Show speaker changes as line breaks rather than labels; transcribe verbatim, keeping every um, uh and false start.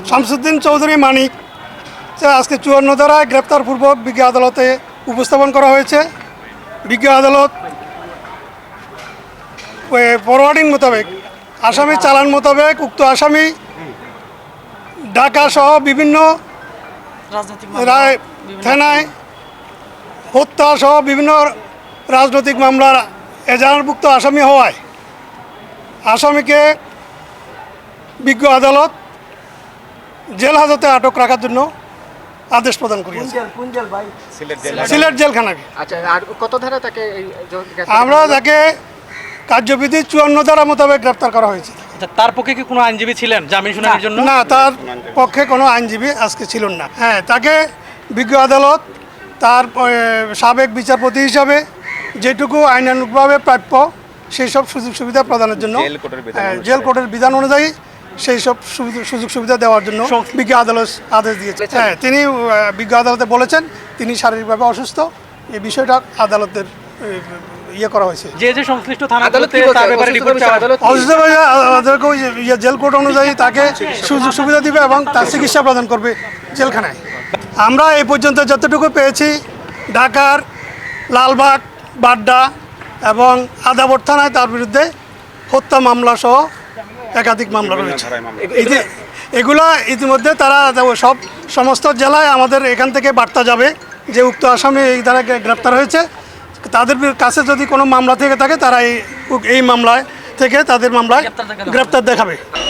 শামসুদ্দিন চৌধুরী মানিক আজকে চুয়ান্ন ধারায় গ্রেপ্তারপূর্বক বিজ্ঞ আদালতে উপস্থাপন করা হয়েছে। বিজ্ঞ আদালত ফরওয়ার্ডিং মোতাবেক আসামি চালান মোতাবেক উক্ত আসামি ঢাকা সহ বিভিন্ন থানায় হত্যা সহ বিভিন্ন রাজনৈতিক মামলার এজাহারভুক্ত আসামি হওয়ায় আসামিকে বিজ্ঞ আদালত জেল হাজতে আটক রাখার জন্য আদেশ প্রদান করেছে সিলেট জেলখানাকে।
কত ধারা তাকে
আমরা তাকে কার্যবিধি চুয়ান্ন ধারা মোতাবেক গ্রেপ্তার করা হয়েছে।
তার পক্ষে কি কোনো আইনজীবী ছিলেন জামিন শুনানির জন্য?
না, তার পক্ষে কোনো আইনজীবী আজকে ছিলেন না। হ্যাঁ, তাকে বিজ্ঞ আদালত তার সাবেক বিচারপতি হিসাবে যেটুকু আইনানুগভাবে প্রাপ্য সেই সব সুযোগ সুবিধা প্রদানের জন্য জেল কোর্টের বিধান অনুযায়ী সেই সব সুযোগ সুবিধা দেওয়ার জন্য বিজ্ঞ আদালত আদেশ দিয়েছে। হ্যাঁ, তিনি বিজ্ঞ আদালতে বলেছেন তিনি শারীরিকভাবে অসুস্থ। এই বিষয়টা আদালতের ইয়ে করা হয়েছে।
যে যে সংশ্লিষ্ট থানাগুলোতে তার ব্যাপারে রিপোর্ট
অসুস্থ হয়ে জেল কোর্ট অনুযায়ী তাকে সুযোগ সুবিধা দিবে এবং তার চিকিৎসা প্রদান করবে জেলখানায়। আমরা এই পর্যন্ত যতটুকু পেয়েছি ঢাকার লালবাগ, বাড্ডা এবং আদাবর থানায় তার বিরুদ্ধে হত্যা মামলা সহ একাধিক মামলা রয়েছে। এগুলা ইতিমধ্যে তারা সব সমস্ত জেলায় আমাদের এখান থেকে বার্তা যাবে যে উক্ত আসামি এই দ্বারা গ্রেপ্তার হয়েছে। তাদের কাছে যদি কোনো মামলা থেকে থাকে তারা এই এই মামলায় থেকে তাদের মামলায় গ্রেপ্তার দেখাবে।